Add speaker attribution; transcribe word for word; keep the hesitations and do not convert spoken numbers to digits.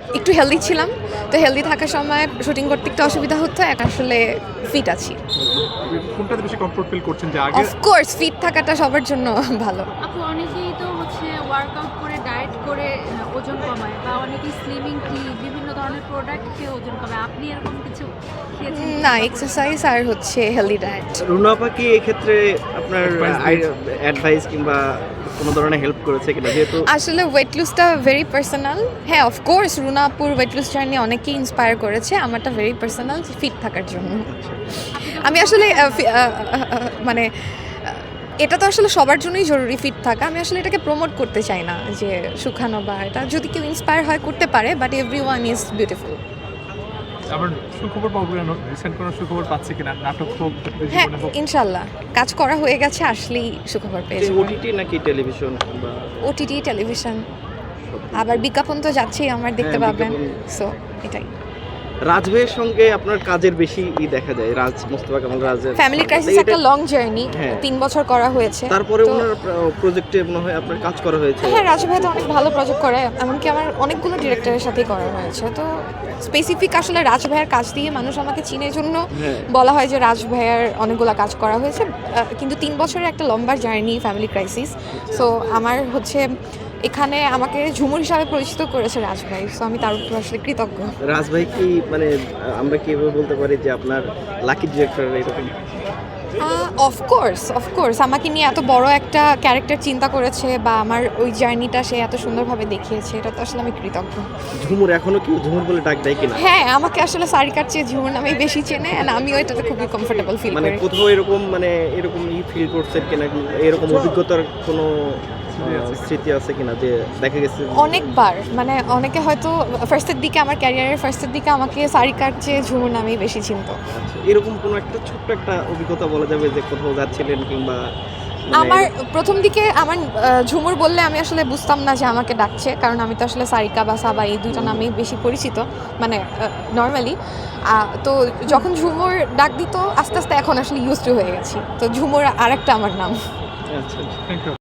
Speaker 1: একটু হেলদি ছিলাম, তো হেলদি থাকার সময় শুটিং করতে একটু অসুবিধা হতো, এখন আসলে ফিট আছি।
Speaker 2: কোনটাতে বেশি কমফোর্ট ফিল করছেন, যে আগে?
Speaker 1: অফকোর্স ফিট থাকাটা সবার জন্য ভালো।
Speaker 3: আপু অনেকেই তো হচ্ছে ওয়ার্কআউট করে ডায়েট করে আহ, ওজন কমায়, বা অনেকেই স্লিমিং টি বিভিন্ন ধরনের প্রোডাক্ট খেয়ে ওজন কমায়। আপনি এরকম কিছু খেয়েছেন?
Speaker 1: না, এক্সারসাইজ আর হচ্ছে হেলদি ডায়েট।
Speaker 4: রুনা আপা কি এক্ষেত্রে আপনার অ্যাডভাইস কিংবা কোনো ধরনের হেল্প করেছে কিনা, যেহেতু
Speaker 1: আসলে ওয়েট লুজটা ভেরি পার্সোনাল। হ্যাঁ, of course Runapur weight loss journey অনেকেই ইন্সপায়ার করেছে, আমারটা ভেরি পার্সোনাল, ফিট থাকার জন্য। আমি আসলে আহ, ফি- আহ, আহ, আহ, মানে আহ, এটা তো আসলে সবার জন্যই জরুরি ফিট থাকা। আমি আসলে এটাকে প্রমোট করতে চাই না যে শুকানো বা এটা, যদি কেউ ইন্সপায়ার হয় করতে পারে, but every one is beautiful.
Speaker 2: আবার সুখবর পাবো কেন, রিসেন্ট কোনো সুখবর পাচ্ছে কিনা, নাটক হোক,
Speaker 1: হ্যাঁ,
Speaker 2: জীবনে হোক?
Speaker 1: ইনশাল্লাহ কাজ করা হয়ে গেছে, আসলেই সুখবর পেয়ে যাবো।
Speaker 4: ওটিটি নাকি টেলিভিশন কিংবা
Speaker 1: ওটিটি, টেলিভিশন, আবার বিজ্ঞাপন তো যাচ্ছেই আমার, দেখতে
Speaker 4: হ্যাঁ,
Speaker 1: পাবেন।
Speaker 4: বিজ্ঞাপন।
Speaker 1: সো এটাই।
Speaker 4: রাজ ভাইয়ের সঙ্গে আপনার কাজের বেশি ই দেখা যায়, রাজ মোস্তফা কামাল রাজের
Speaker 1: ফ্যামিলি ক্রাইসিস
Speaker 4: এটা-
Speaker 1: একটা লং জার্নি,
Speaker 4: হ্যাঁ।
Speaker 1: তিন বছর করা হয়েছে।
Speaker 4: তারপরে
Speaker 1: তো-
Speaker 4: ওনার প্রজেক্টে মনে হয় আপনার কাজ করা হয়েছে।
Speaker 1: হ্যাঁ, রাজু ভাই তো অনেক ভালো প্রজেক্ট করে, এমনকি আমার অনেকগুলো ডিরেক্টরের সাথেই করা হয়েছে। তো স্পেসিফিক আসলে রাজ ভাইয়ের কাজ দিয়ে মানুষ আমাকে চিনের জন্য
Speaker 4: হ্যাঁ।
Speaker 1: বলা হয় যে রাজ ভাইয়ের অনেকগুলো কাজ করা হয়েছে, আহ, কিন্তু তিন বছরের একটা লম্বা জার্নি ফ্যামিলি ক্রাইসিস। সো আমার হচ্ছে এখানে আমাকে ঝুমুর হিসাবে পরিচিত করেছে রাজ ভাই, সো আমি তার উপর আসলে কৃতজ্ঞ।
Speaker 4: রাজ ভাই কি মানে আমরা কি এভাবে বলতে পারি যে আপনার লাকি ডিরেক্টর এরকম?
Speaker 1: অফকোর্স অফকোর্স আমাকে নিয়ে এত বড় একটা ক্যারেক্টার চিন্তা করেছে, বা আমার ওই জার্নিটা সে এত সুন্দরভাবে দেখিয়েছে, এটা তো আসলে আমি কৃতজ্ঞ।
Speaker 4: ঝুমুর এখনো কি ঝুমুর বলে ডাক দেয় কিনা?
Speaker 1: হ্যাঁ, আমাকে আসলে সারিকার চেয়ে ঝুমুর নামেই বেশি চেনে, and আমিও এটাতে খুবই কমফোর্টেবল ফিল
Speaker 4: মানে
Speaker 1: করি।
Speaker 4: কোথাও এরকম মানে এরকম ই ফিল করছেন কিনা, এরকম অভিজ্ঞতার কোনো আহ, স্মৃতি আছে কিনা যে দেখা গেছে যে-
Speaker 1: অনেকবার, মানে অনেকে হয়তো ফার্স্টের দিকে, আমার ক্যারিয়ারের ফার্স্টের দিকে আমাকে সারিকার চেয়ে ঝুমুর নামেই বেশি চিনতো।
Speaker 4: আচ্ছা, এরকম কোনো একটা ছোট্ট একটা অভিজ্ঞতা বলা যাবে যে কোথাও যাচ্ছিলেন কিংবা মানে-
Speaker 1: আমার প্রথম দিকে আমার আহ, ঝুমুর বললে আমি আসলে বুঝতাম না যে আমাকে ডাকছে, কারণ আমি তো আসলে সারিকা বা সাবা এই দুইটা নামেই বেশি পরিচিত, মানে নর্মালি। তো যখন ঝুমুর ডাক দিত, আস্তে আস্তে এখন আসলে ইউজ টু হয়ে গেছি, তো ঝুমুর আরেকটা আমার নাম।
Speaker 4: আচ্ছা আচ্ছা।
Speaker 2: Thank you.